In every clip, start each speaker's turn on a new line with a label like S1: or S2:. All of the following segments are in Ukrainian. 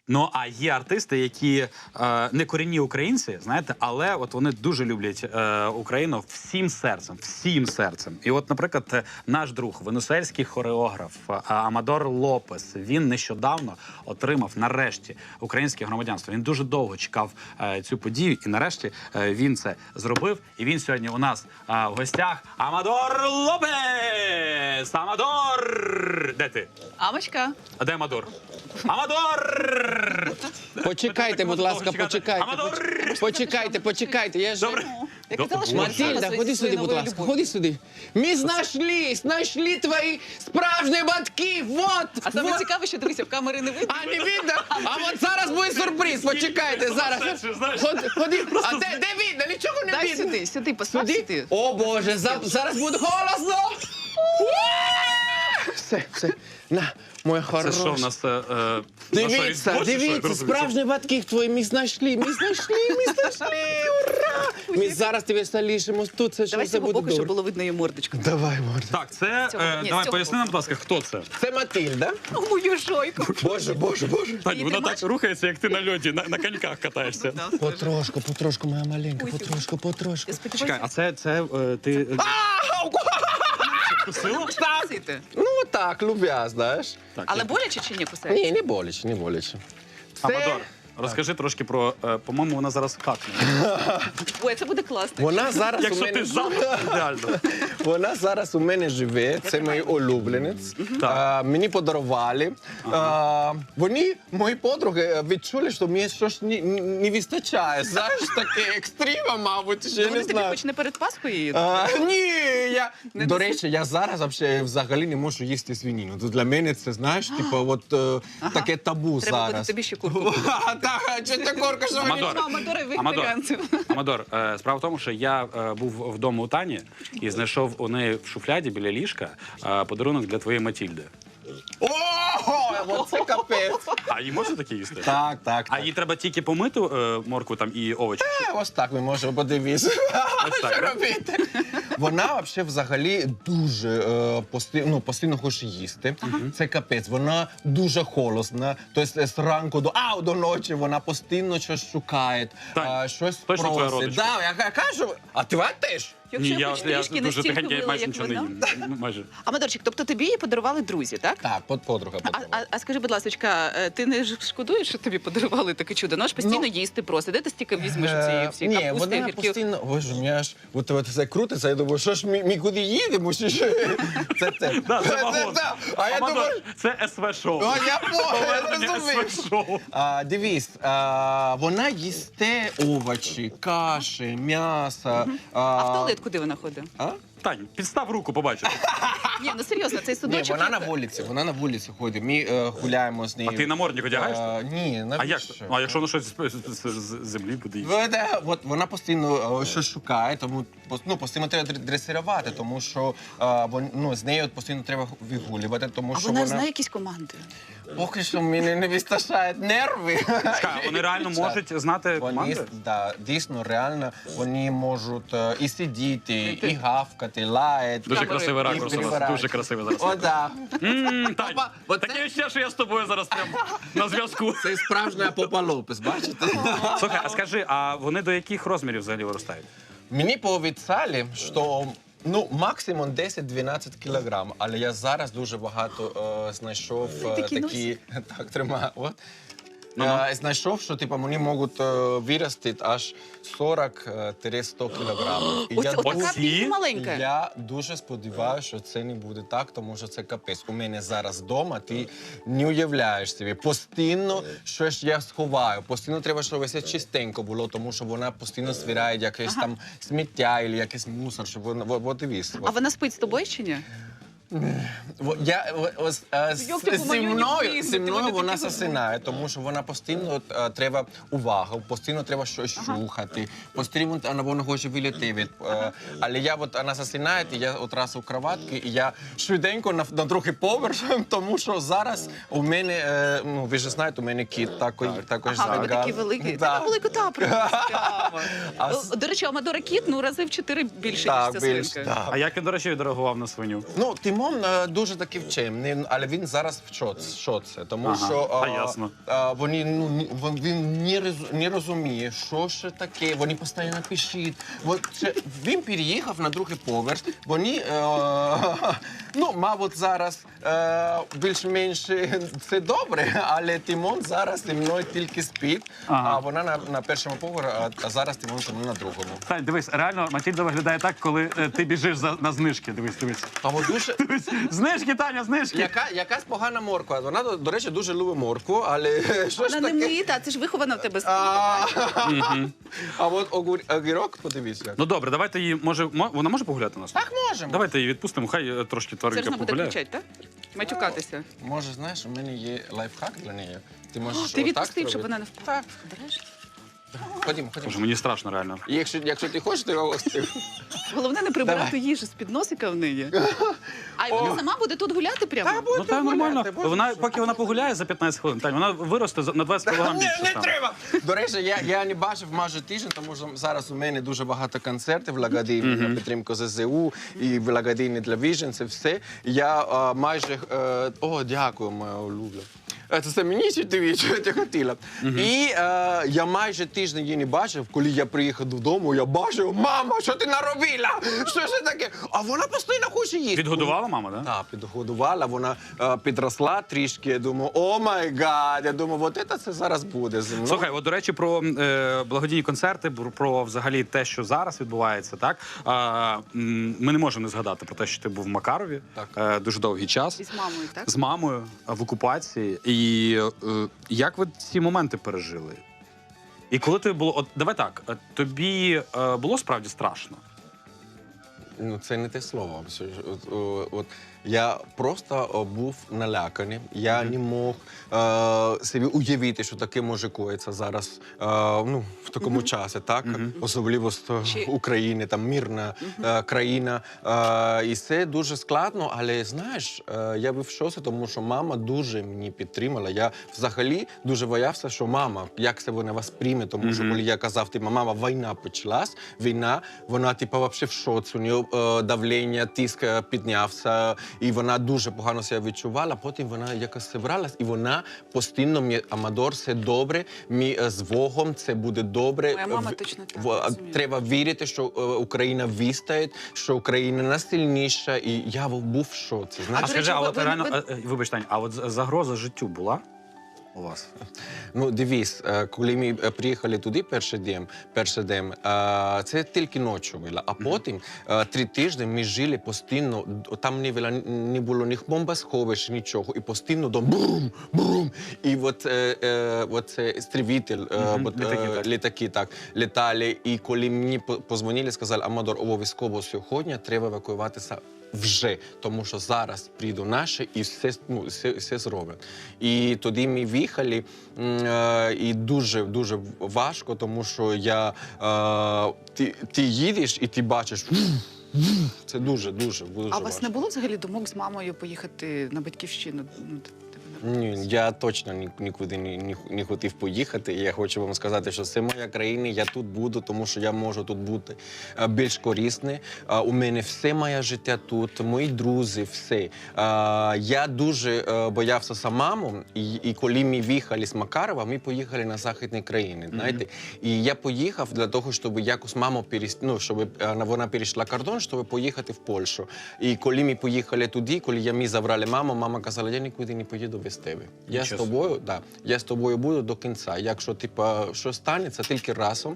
S1: Ну, а є артисти, які не корінні українці, знаєте, але от вони дуже люблять Україну всім серцем, всім серцем. І от, наприклад, наш друг, венесуельський хореограф Амадор Лопес, він нещодавно отримав, нарешті, українське громадянство. Він дуже довго чекав цю подію, і нарешті він це зробив. І він сьогодні у нас в гостях. Амадор Лопес! Амадор! Де ти?
S2: Амочка.
S1: А де Амадор? Амадор!
S3: Почекайте, будь ласка, почекайте. Почекайте. Я ж...
S2: Я казала, що
S3: Матильда, ходи сюди, будь ласка, ходи сюди. Ми знайшли твої справжні батьки, вот!
S2: А саме цікаве, що дивися, в камери не видно.
S3: А, не видно? А от зараз буде сюрприз, почекайте, зараз. Ходи, а де видно? Нічого не
S2: Дай
S3: видно.
S2: сюди, постав сюди.
S3: О, Боже, зараз буде голосно. Все, на, моя
S1: Це
S3: хороша.
S1: що в нас?
S3: Дивіться, справжні батьки твої, ми знайшли, ура! Ми зараз тебе залишимо тут, це
S2: Давай з
S3: все
S2: цього
S3: буде
S2: боку, щоб
S3: добре.
S2: було видно її мордочку.
S3: Давай, Морда.
S1: Так, це...
S2: Ні, з
S1: Давай,
S2: цього
S1: поясни нам, будь ласка, хто це?
S3: Це Матильда.
S2: О, мою жойку.
S3: Боже.
S1: Тань,
S2: Її
S1: вона
S2: тримаєш?
S1: так рухається, як ти на льоді, на коньках катаєшся.
S3: Потрошку, моя маленька, потрошку.
S2: Я
S1: Чекай,
S2: сподіваюся,
S1: а це ти...
S2: кусити.
S3: Ну, так, любя, знаєш.
S2: Але боляче чи ні кусаєш?
S3: Ні, не боляче.
S1: Амадор, розкажи трошки про... По-моєму, вона зараз какне.
S2: Ой, це буде класно.
S3: Вона зараз у
S1: Якщо
S3: мене...
S1: ти за, ідеально.
S3: Вона зараз у мене живе, це мій улюбленець. Мені подарували. Вони, мої подруги, відчули, що мені щось не вистачає. Знаєш, таке екстрима, мабуть, ще
S2: Вони
S3: не
S2: тобі
S3: знаю.
S2: хоч не перед Пасхою її?
S3: Ні, до речі, я зараз взагалі не можу їсти свинину. Для мене це, знаєш, таке табу
S2: Треба буде
S3: зараз.
S2: тобі ще курку.
S3: Так, чи ти корка, що мені?
S1: Амадор,
S2: Амадора вегетаріанців.
S1: Амадор, справа в тому, що я був вдома у Тані і знайшов у неї в шуфляді біля ліжка подарунок для твоєї Матільди.
S3: О, це капець.
S1: А її можна таке їсти?
S3: Так.
S1: А їй треба тільки помити моркву там і овочі?
S3: Ось так ми можемо подивитися.
S1: Ось так,
S3: Що
S1: да?
S3: робити? Вона взагалі дуже постійно хоче їсти. Це капець. Вона дуже голосна. Тобто з ранку до ночі вона постійно щось шукає,
S1: Тань,
S3: щось
S1: точно твоя
S3: просить.
S1: родичка?
S3: Да, я кажу, а ти теж?
S2: Якщо я хоч трішки
S1: дуже
S2: настільки
S1: тихенько, я
S2: вила,
S1: майже
S2: як
S1: нічого не
S2: вона.
S1: їм. Ну, майже.
S2: Амадорчик, тобто тобі її подарували друзі, так?
S3: Так, подруга.
S2: А скажи, будь ласка, ти не шкодуєш, що тобі подарували таке чудо? Ну, аж постійно їсти просить. Де ти стільки візьмеш цієї всі
S3: Ні,
S2: капусти,
S3: вона
S2: гірків?
S3: постійно, боже, мені аж це крутиться, я думаю, що ж ми куди їдемо? Чи що? Це.
S1: Да, це вагон.
S3: А я
S1: Амадор,
S3: думаю,
S1: це СВ-шоу.
S3: я
S1: Повернення
S3: розумію.
S1: СВ-шоу.
S3: Дивись, вона їсте овочі, каші, м'ясо.
S2: А в туалет куди вона ходить?
S1: Тань, підстав руку, побачиш.
S2: Ні, ну серйозно, цей
S3: Ні,
S2: судочок...
S3: вона на вулиці ходить. Ми гуляємо з нею.
S1: А ти намордник одягаєш?
S3: Ні,
S1: А як?
S3: навіщо?
S1: А якщо воно щось з землі буде їсти?
S3: Вона постійно щось шукає, тому постійно треба дресирувати, тому що з нею постійно треба вигулювати, тому
S2: А
S3: що
S2: вона знає якісь команди?
S3: Поки що мені не вистачає нерви.
S1: Чекай, вони реально можуть знати команди?
S3: Дійсно, реально, вони можуть і сидіти, і гавкати, лаяти.
S1: Дуже красивий ракурс у вас, дуже красивий зараз.
S3: О, так.
S1: Тань,
S3: Оце-
S1: таке ще, що я з тобою зараз прям на зв'язку.
S3: Це справжня Попа Лопес, бачите?
S1: Слухай, а скажи, а вони до яких розмірів взагалі виростають?
S3: Мені пообіцяли, що максимум 10-12 кілограм, але я зараз дуже багато знайшов такі... Так, тримаю. От. Знайшов, що вони можуть вирости аж 40-100 кілограм.
S2: Така пінь маленька.
S3: Я дуже сподіваюся, що це не буде так, тому що це капець. У мене зараз вдома, ти не уявляєш собі. Постійно щось я сховаю, постійно треба, щоб все чистенько було, тому що вона постійно збирає якесь там сміття або якийсь мусор, щоб вона, дивись.
S2: А вона спить з тобою чи ні?
S3: Зі мною вона засинає, тому що вона постійно треба увагу, постійно треба щось шукати, постійно вона хоче виліти. Але вона засинає, і я одразу в кроватці, і я швиденько на другий поверх, тому що зараз у мене, ви ж знаєте, у мене кіт також
S2: Ага, ви такий великий. Та були кота просто. До речі, Амадора кіт, рази в 4 більше, ніж ця свинка.
S1: А як він, до речі, відреагував на свиню?
S3: Ну, ти Тимон дуже такий вчений, але він зараз в шоці, тому
S1: Ага,
S3: що
S1: ясно.
S3: вони, він не розуміє, що ще таке, вони постійно пишуть. Він переїхав на другий поверх, вони, мабуть, зараз більш-менш це добре, але Тимон зараз зі мною тільки спить,
S1: Ага.
S3: а вона на першому поверху, а зараз Тимон зі мною на другому.
S1: Тань, дивись, реально Матільда виглядає так, коли ти біжиш на знижки. Дивись.
S3: А от дуже...
S1: Знижки, Таня, знижки!
S3: Якась погана морква. Вона, до речі, дуже любить моркву, але що ж
S2: Вона не
S3: таке?
S2: мита, це ж вихована в тебе.
S3: А от огірок, подивись як.
S1: Ну добре, давайте її, вона може погуляти нас?
S3: Так можемо.
S1: Давайте її відпустимо, хай трошки
S2: Зараз
S1: тваринка
S2: вона буде
S1: погуляє.
S2: кричати, так? Матюкатися.
S3: Може, знаєш, у мене є лайфхак для неї. Ти можеш
S2: Ти
S3: отак
S2: відпустив, щоб
S3: зробити.
S2: вона не впала.
S3: Так.
S2: Береш?
S3: Ходімо.
S1: Боже, мені страшно реально.
S3: І якщо ти хочеш, то я остив.
S2: Головне не прибирати їжу з-під носика в неї. А вона сама буде тут гуляти прямо?
S1: Ну так, нормально. Поки вона погуляє за 15 хвилин, Тань, вона виросте на 20 кг більше.
S3: Не
S1: стане.
S3: треба! До речі, я не бачив майже тиждень, тому що зараз у мене дуже багато концертів благодійні на підтримку ЗСУ і благодійні для біженців, все. Я майже... О, дякую, моя улюблена. Це мені чи тобі, що ти хотіла. І я майже тиждень її не бачив, коли я приїхав додому, я бачив, мама, що ти наробила? Що ж таке? А вона постійно хоче їсти.
S1: Підгодувала мама, так?
S3: Так, підгодувала, вона підросла трішки, я думаю, о май гад, я думаю, от це зараз буде зі мною.
S1: Слухай, от, до речі, про благодійні концерти, про взагалі те, що зараз відбувається, так? Ми не можемо не згадати про те, що ти був в Макарові дуже довгий час.
S2: І з мамою, так?
S1: З мамою в окупації. І як ви ці моменти пережили? І коли тобі було... От давай так, тобі було справді страшно?
S3: Ну, це не те слово. От я просто був наляканий. Я не мог собі уявити, що таке може коїться зараз в такому часі, так? Особливо з України, там мирна країна. І це дуже складно, але знаєш, я був в шоці, тому що мама дуже мені підтримала. Я взагалі дуже боявся, що мама, як це вона вас прийме, тому що коли я казав, мама, війна почалась, вона взагалі в шоці, у неї давлення, тиск піднявся, і вона дуже погано себе відчувала. Потім вона якось зібралась, і вона постійно мені, Амадор, все добре, з Богом, це буде добре.
S2: Моя мама точно так розуміє.
S3: Треба вірити, що Україна вистоїть, що Україна найсильніша, і я був в шоці.
S1: А
S3: Знаєш,
S1: скажи, а от реально, вибач, Тань, а от загроза життю була у вас?
S3: ну, дивись, коли ми приїхали туди перший день, це тільки ночі було. А потім 3 тижні ми жили постійно, там не було ні бомбосховищ, нічого. І постійно там брум. І от це істребитель, літаки так літали. І коли мені позвонили, сказали, Амадор, обов'язково сьогодні треба евакуюватися вже, тому що зараз прийдуть наші і все зроблять. І тоді ми виїхали, і дуже важко, тому що ти їдеш і ти бачиш, це дуже важко.
S2: А у вас не було взагалі думок з мамою поїхати на батьківщину?
S3: Ні, я точно нікуди не хотів поїхати. Я хочу вам сказати, що це моя країна, я тут буду, тому що я можу тут бути більш корисний. У мене все моє життя тут, мої друзі, все. Я дуже боявся за маму, і коли ми виїхали з Макарова, ми поїхали на західні країни, знаєте. І я поїхав для того, щоб якось маму щоб вона перейшла кордон, щоб поїхати в Польщу. І коли ми поїхали туди, коли ми забрали маму, мама казала, я нікуди не поїду без тебе. Я з тобою буду до кінця. Якщо що станеться, тільки разом.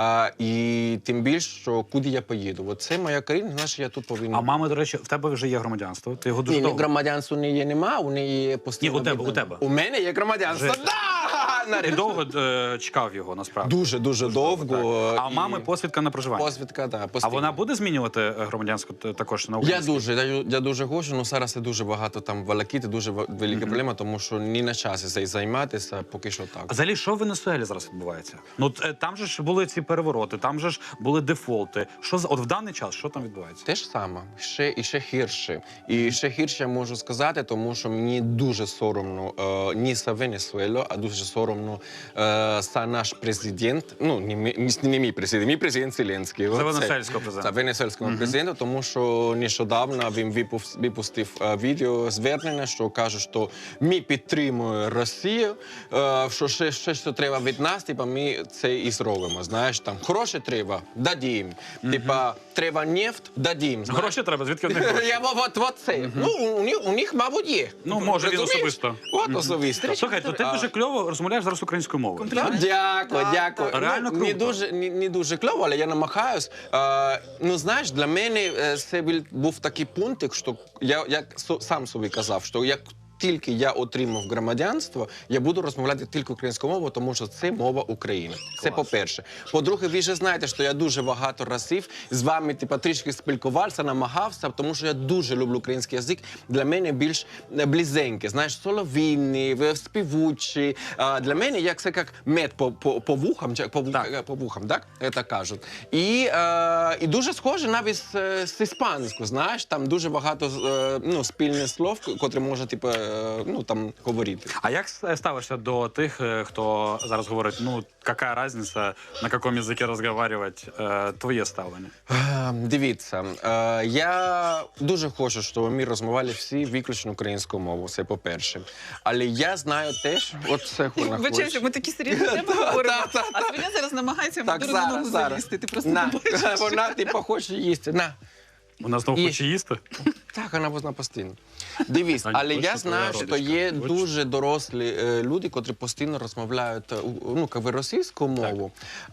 S3: І тим більше, що куди я поїду. От це моя країна, знаєш, я тут повинен.
S1: А мама, до речі, в тебе вже є громадянство? Ти його дуже
S3: Ні,
S1: довго?
S3: громадянства у неї нема, у неї є постійно.
S1: Ні, у тебе.
S3: У мене є громадянство,
S1: Вже.
S3: да!
S1: Ти довго чекав його, насправді?
S3: Дуже довго.
S1: А у мами посвідка на проживання?
S3: Посвідка, так.
S1: А вона буде змінювати громадянство також на українське?
S3: Я дуже хочу, але зараз це дуже багато там волокіти, дуже велика проблема, тому що не на часі цим займатися, поки що так.
S1: А взагалі, що в Венесуелі зараз відбувається? Ну, там же ж були ці перевороти, там же ж були дефолти. От в даний час, що там відбувається?
S3: Те ж саме, ще гірше. І ще гірше я можу сказати, тому що мені дуже соромно не за Венесуелу, а дуже соромно соромно за наш президент, ну, не мій президент Зеленський.
S1: За
S3: Оце.
S1: венесуельського президента.
S3: За венесуельського президента, тому що нещодавно він випустив відео звернення, що каже, що ми підтримуємо Росію, що ще що треба від нас, типа ми це і зробимо. Знаєш, там гроші треба, дадім. Типа треба нефть, дадім. Знаєш?
S1: Гроші треба, звідки в них гроші?
S3: Вот це. Ну, у них, мабуть, є.
S1: Ну, може, він
S3: Розумієш?
S1: особисто.
S3: От особисто.
S1: Слухай, то ти дуже кльово розмовляєш зараз українською мовою.
S3: Дякую, дякую.
S1: Реально
S3: Ну,
S1: круто.
S3: не дуже кльово, але я намагаюсь. Ну, знаєш, для мене це був такий пункт, що я сам собі казав, що як тільки я отримав громадянство, я буду розмовляти тільки українською мовою, тому що це мова України. Це по-перше. По-друге, ви вже знаєте, що я дуже багато разів з вами трішки спілкувався, намагався, тому що я дуже люблю український язик. Для мене більш близенький, знаєш, солов'їний, співучий. Для мене як це як мед по вухам, так? Це кажуть. І дуже схоже навіть з іспанською, знаєш, там дуже багато спільних слов, котрі може, там говорити.
S1: А як ставишся до тих, хто зараз говорить, ну, яка різниця, на якому язикі розмовляти, твоє ставлення?
S3: Дивіться, я дуже хочу, щоб ми розмовляли всі виключно українською мовою, це по-перше. Але я знаю теж, от це вона хоче.
S2: Вибачайте, ми такі серйозні теми говоримо, а Свиня зараз намагається йому дуже на ногу залізти. Ти просто не бачиш.
S3: Вона, хоче їсти. На.
S1: Вона знову хоче їсти?
S3: Так, вона постійно. Дивись, але я знаю, що є
S1: Хочеш?
S3: дуже дорослі люди, котрі постійно розмовляють російською мовою.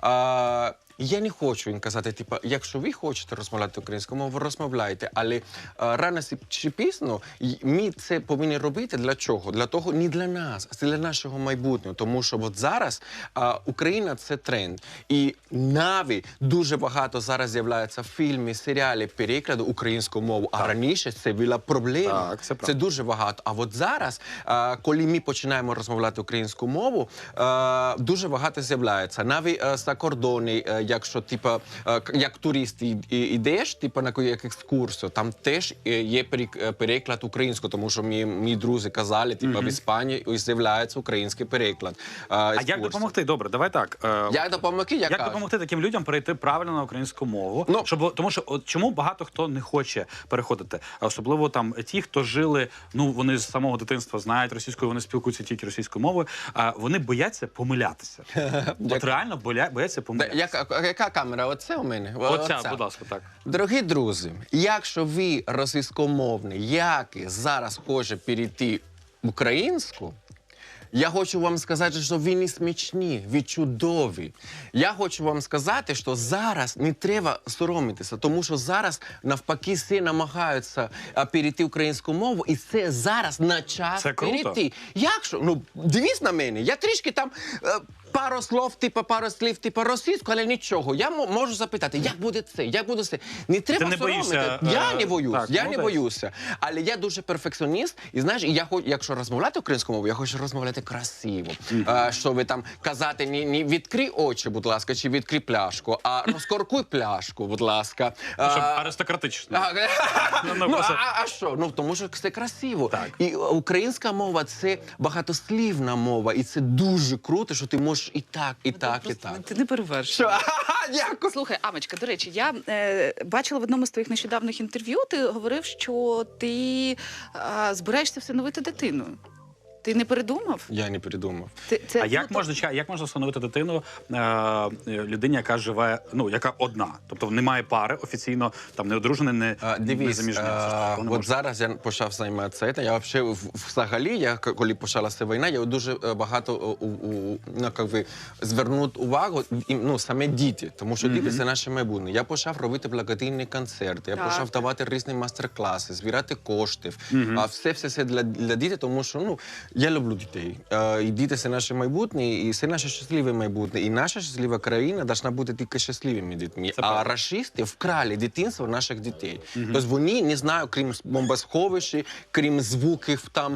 S3: Я не хочу їм казати, якщо ви хочете розмовляти українською мовою, розмовляйте. Але рано чи пізно ми це повинні робити для чого? Для того, не для нас, а для нашого майбутнього. Тому що от зараз Україна – це тренд. І навіть дуже багато зараз з'являється фільмів, серіалів, перекладу українською мовою. А раніше це була проблема.
S1: Так, це правда.
S3: Це дуже багато. А от зараз, коли ми починаємо розмовляти українською мовою, дуже багато з'являється. Навіть за кордони, якщо як турист йдеш, на якусь екскурсію, там теж є переклад українською, тому що мої друзі казали, в Іспанії з'являється український переклад.
S1: А як допомогти? Добре, давай так.
S3: Як допомогти?
S1: Як допомогти таким людям перейти правильно на українську мову?
S3: Ну,
S1: Тому що чому багато хто не хоче переходити? Особливо там ті, хто жили, ну вони з самого дитинства знають російською, вони спілкуються тільки російською мовою, вони бояться помилятися. От реально бояться помилятися.
S3: Яка камера? Оце у мене?
S1: Оця, будь ласка, так.
S3: Дорогі друзі, якщо ви російськомовний, який зараз хоче перейти в українську, я хочу вам сказати, що ви не смішні, ви чудові. Я хочу вам сказати, що зараз не треба соромитися, тому що зараз навпаки всі намагаються перейти українську мову, і це зараз на час
S1: Це круто.
S3: перейти. Якщо, ну, дивись на мене, я трішки там пару слів, російською, але нічого. Я можу запитати, як буде це, як буде це. Не треба
S1: не
S3: соромитися.
S1: боїшся,
S3: Я не боюсь,
S1: так,
S3: я не
S1: молодець.
S3: боюся. Але я дуже перфекціоніст, і знаєш, якщо розмовляти українською мовою, я хочу розмовляти красиво. Щоб там казати, не відкрий очі, будь ласка, чи відкрий пляшку, а розкоркуй пляшку, будь ласка.
S1: Щоб аристократично.
S3: А що? Ну, тому що це красиво.
S1: Так.
S3: І українська мова – це багатослівна мова, і це дуже круто, що ти можеш і так, і так, і так.
S2: Ти не перевершуєш.
S3: Дякую.
S2: Слухай, Амочка, до речі, я бачила в одному з твоїх нещодавних інтерв'ю, ти говорив, що ти збираєшся всиновити дитину. Ти не передумав?
S3: Я не придумав.
S1: А як можна встановити дитину людині, яка живе, ну, яка одна? Тобто немає пари, офіційно, там, не одружена, не заміжня.
S3: От зараз я почав займатися цим. Я взагалі, коли почалася війна, я дуже багато звернув увагу, саме діти, тому що діти – це наше майбутнє. Я почав робити благодійні концерти, я почав давати різні майстер-класи, збирати кошти. Все для дітей, тому що, я люблю дітей. І діти – це наше майбутнє, і це наше щасливе майбутнє. І наша щаслива країна повинна бути тільки щасливими дітьми. А рашисти вкрали дитинство наших дітей. Тобто вони, не знаю, крім бомбосховищ, крім звуків там,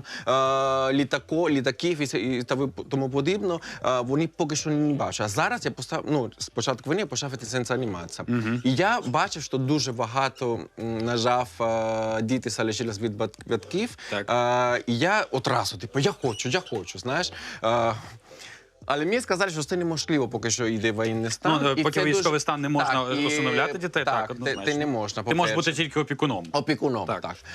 S3: літаків і тому подібне, вони поки що не бачать. А зараз я з початку війни я почав цим займатися. І я бачив, що дуже багато, на жаль, діти залишились від батьків. І я одразу, я хочу, знаєш. Але мені сказали, що це неможливо, поки що йде воєнний стан.
S1: Ну,
S3: І
S1: поки
S3: це
S1: військовий
S3: дуже-
S1: стан не можна
S3: Так, і-
S1: усиновляти дітей, так, однозначно.
S3: ти не можна,
S1: Ти можеш
S3: по-перше.
S1: бути тільки опікуном.
S3: Опікуном,
S1: Так.
S3: так.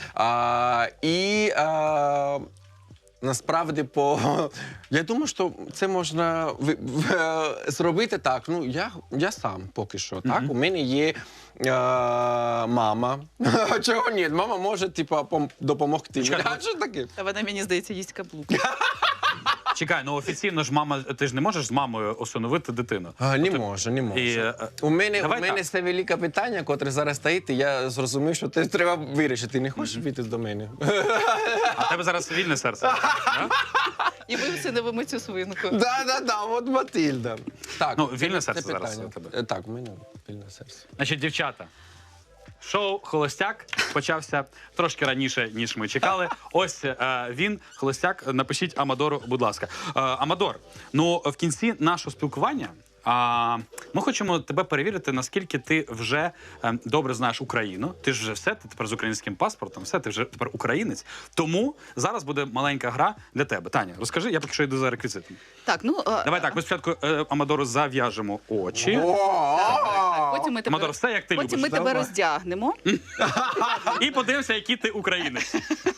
S3: Насправді, я думаю, що це можна зробити так. Ну, я сам поки що. Так? У мене є мама. Чого ні? Мама може допомогти.
S1: Чекай,
S3: А що таке?
S2: Та вона, мені здається, їсть каблук.
S1: Чекай, ну офіційно ж мама, ти ж не можеш з мамою усиновити дитину.
S3: Не можу, не можу.
S1: І,
S3: У мене
S1: давай так.
S3: це велике питання, котре зараз стоїть, і я зрозумів, що це треба вирішити. Не хочеш піти до мене?
S1: А в тебе зараз вільне серце. Да?
S2: І ми всиновимо цю свинку.
S3: Да, от Матильда. Так,
S1: Ну,
S3: це-
S1: вільне
S3: це
S1: серце зараз
S3: питання.
S1: у тебе.
S3: Так, у мене вільне серце.
S1: Значить, дівчата, шоу «Холостяк» почався трошки раніше, ніж ми чекали. Ось він, «Холостяк». Напишіть Амадору, будь ласка. Амадор, ну в кінці нашого спілкування ми хочемо тебе перевірити, наскільки ти вже добре знаєш Україну. Ти ж вже все, ти тепер з українським паспортом, все, ти вже тепер українець. Тому зараз буде маленька гра для тебе. Таня, розкажи, я поки що йду за реквізитом.
S2: Так, ну
S1: Давай так, ми спочатку Амадору зав'яжемо очі.
S2: потім ми тебе,
S1: Амадор, все як ти
S2: потім
S1: любиш.
S2: ми тебе
S3: Давай.
S2: роздягнемо.
S1: І подивимося, який ти українець.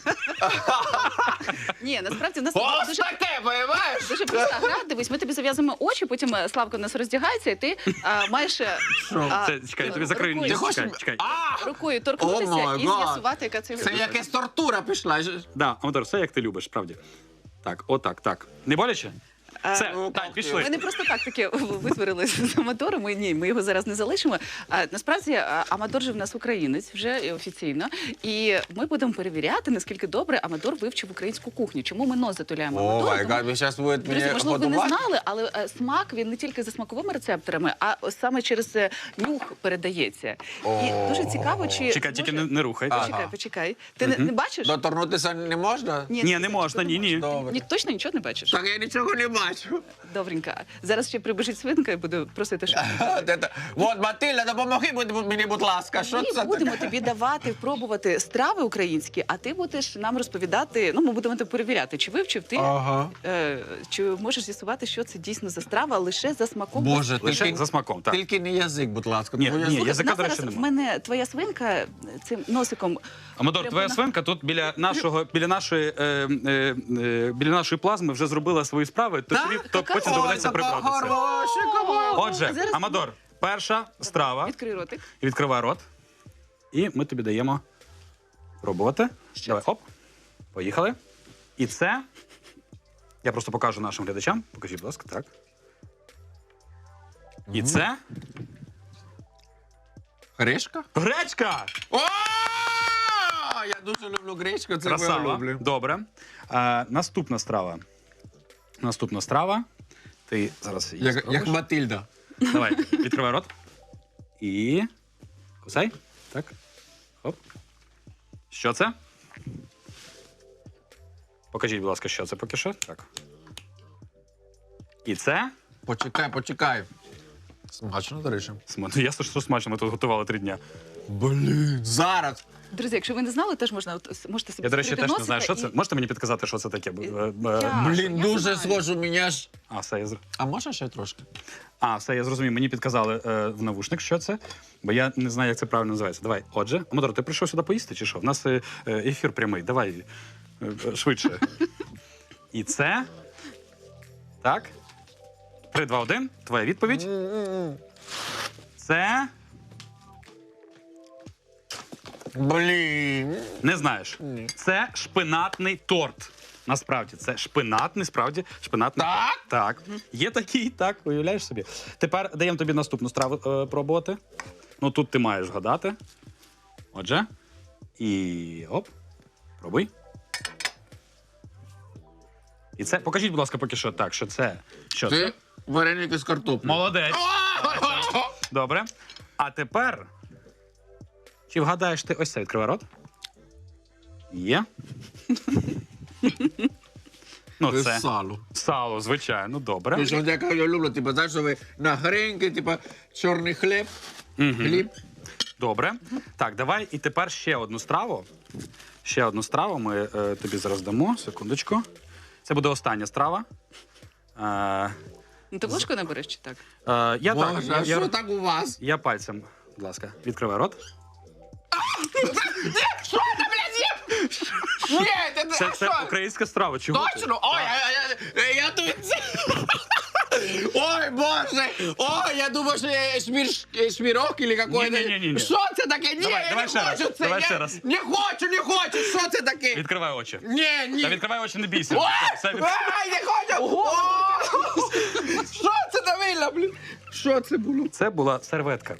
S2: Ні, насправді в нас
S3: Ось
S2: дуже,
S3: таке, понимаєш?
S2: дуже проста гра. Дивись, ми тобі зав'язуємо очі, потім Славко в нас роздягається, і ти маєш
S1: Це, чекай, я тобі закрию
S2: рукою-
S1: ніс.
S3: хочеш-
S1: Чекай.
S2: рукою
S3: О
S2: торкнутися
S3: май
S2: і
S3: гад.
S2: з'ясувати, яка це
S3: Це якась тортура пішла.
S1: Да, Амадор, все як ти любиш, справді. Так, отак, так. Не боляче? Все,
S3: ну,
S1: Тань,
S2: Ми
S1: пішли.
S2: не просто так таке витворили з Амадором. Ми його зараз не залишимо. Насправді Амадор же в нас українець вже і офіційно. І ми будемо перевіряти, наскільки добре Амадор вивчив українську кухню. Чому ми нос затуляємо
S3: О
S2: Амадору?
S3: май
S2: Тому-
S3: гад, ви зараз будете
S2: Друзі,
S3: мене
S2: можливо, ви не
S3: годувати?
S2: знали, але смак він не тільки за смаковими рецепторами, а саме через нюх передається. І дуже цікаво, чи
S1: Чекай, тільки
S2: може-
S1: не рухай.
S2: Почекай, почекай. Ти не бачиш?
S3: Доторкнутися не можна?
S1: Ні, не можна, ні.
S3: Добре.
S2: Ні, точно нічого не бачиш?
S3: Так я нічого не бачу.
S2: Добренько. Зараз ще прибіжить свинка і буду просити, що
S3: От, Матильда, допомоги мені, будь ласка. Що
S2: ми
S3: це
S2: будемо
S3: таке?
S2: тобі давати пробувати страви українські, а ти будеш нам розповідати. Ну, ми будемо тебе перевіряти, чи вивчив ти,
S3: Ага.
S2: чи можеш з'ясувати, що це дійсно за страва, лише за смаком.
S3: Боже,
S1: Лише
S3: тільки,
S1: за смаком, так.
S3: тільки не язик, будь ласка.
S1: Ні,
S3: тому я-
S1: ні,
S2: Слухай,
S1: язика,
S2: в нас
S1: до речі,
S2: зараз в
S1: нема.
S2: мене твоя свинка цим носиком.
S1: Амадор, твоя свинка тут біля нашої плазми вже зробила свої справи, то потім доведеться прибратися.
S3: Хороший кабан.
S1: Отже,
S2: Зараз-
S1: Амадор, перша страва.
S2: Відкрий ротик.
S1: Відкривай рот. І ми тобі даємо пробувати. Давай, оп. Поїхали. І це. Я просто покажу нашим глядачам. Покажіть, будь ласка, так. І це
S3: Гречка?
S1: гречка!
S3: О! Я дуже люблю гречку, це я
S1: Красава.
S3: люблю.
S1: Добре. Наступна страва. Наступна страва. Ти зараз її
S3: Як
S1: спробуєш.
S3: Матильда.
S1: Давай, відкривай рот. І. Кусай. Так. Хоп. Що це? Покажіть, будь ласка, що це поки що. Так. І це.
S3: Почекай. Смачно, до речі.
S1: Ну, ясно, що смачно, ми тут готували 3 дня.
S3: Блін, зараз.
S2: Друзі, якщо ви не знали, теж можете собі
S1: Я, до речі,
S2: відкрити
S1: теж не знаю, що
S2: носика
S1: це. Можете мені підказати, що це таке?
S3: Блін,
S2: я
S3: дуже
S2: знаю.
S3: схоже, мене ж.
S1: А, все, я
S3: А можна ще трошки?
S1: все, я зрозумів. Мені підказали в навушник, що це, бо я не знаю, як це правильно називається. Давай, отже, Амадор, ти прийшов сюди поїсти чи що? В нас ефір прямий. Давай швидше. І це. Так. 3, 2, 1. Твоя відповідь. Це.
S3: Блін.
S1: Не знаєш.
S3: Ні.
S1: Це шпинатний торт. Насправді, це шпинатний, справді, шпинатний.
S3: Так?
S1: Так. Є такий, так, уявляєш собі. Тепер даємо тобі наступну страву пробувати. Ну, тут ти маєш вгадати. Отже. І оп. Пробуй. І це. Покажіть, будь ласка, поки що так, що це. Що це?
S3: Це вареники з картоплею.
S1: Молодець. Добре. А тепер. Чи вгадаєш ти ось це? Відкривай рот. Є. Ну,
S3: Це
S1: це
S3: сало.
S1: сало, звичайно, добре.
S3: Ти що, яка я люблю, типу, знаєш, що ви на греньки, типу, чорний хліб, хліб.
S1: Добре. Так, давай і тепер ще одну страву. Ще одну страву ми тобі зараз дамо. Секундочку. Це буде остання страва.
S2: Ну, ти ложку набереш чи так?
S1: Я так.
S3: Боже, а що так у вас?
S1: Я пальцем, будь ласка, відкривай рот.
S3: Що це, блядь, є? Ні,
S1: Це українська страва. Чого ти?
S3: Точно? Ой, я тут... Ой, боже! Ой, я думав, що я шмірок или какой-то...
S1: Ні-ні-ні-ні.
S3: Що це таке? Ні,
S1: Давай,
S3: я
S1: давай
S3: не
S1: ще раз,
S3: хочу це.
S1: давай
S3: я
S1: ще раз.
S3: Не хочу. Що це таке?
S1: Відкривай очі.
S3: Ні.
S1: Та відкривай очі, не бійся.
S3: Ой,
S1: Все від-
S3: ай, не хочу! О! Що це давило, блін? Що це було?
S1: Це була серветка.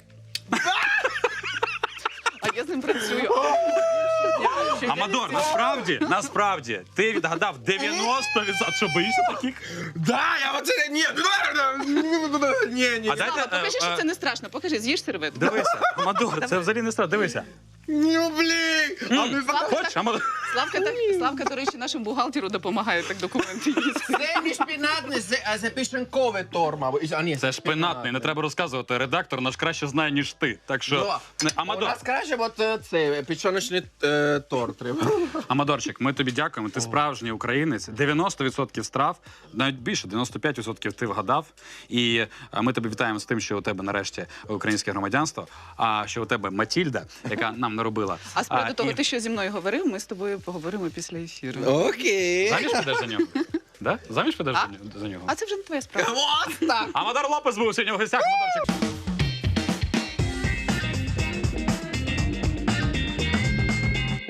S2: А я з ним працюю.
S1: Амадор, насправді, ти відгадав 90%. Що, боїшся таких?
S3: Да, я оце... Ні. Ні.
S1: А дайте...
S2: Слава, покажи, що це не страшно. Покажи, з'їж серветку.
S1: Дивися, Амадор, це взагалі не страшно. Дивися.
S3: Ну, блін. А ми
S1: Хочеш, Амадор?
S2: Славка, до речі, нашому бухгалтеру допомагає так документи їсти.
S3: Це не шпінатне, це пішенкове торма. А, ні,
S1: Це шпинатний, не треба розказувати. Редактор наш краще знає, ніж ти. Так що,
S3: У
S1: Амадор,
S3: нас краще от це печоночний торт треба.
S1: Амадорчик, ми тобі дякуємо. Ти справжній українець. 90% страв, навіть більше, 95% ти вгадав. І ми тебе вітаємо з тим, що у тебе нарешті українське громадянство, а що у тебе Матільда, яка нам наробила.
S2: А з приводу того,
S1: і-
S2: ти що зі мною говорив, ми з тобою поговоримо після ефіру.
S3: Окей.
S1: Заміж підеш за нього? Да? Заміж підеш за нього?
S2: А це вже не твоя справа.
S3: Ось так.
S1: Амадор Лопес був сьогодні в гостях. Амадорчик.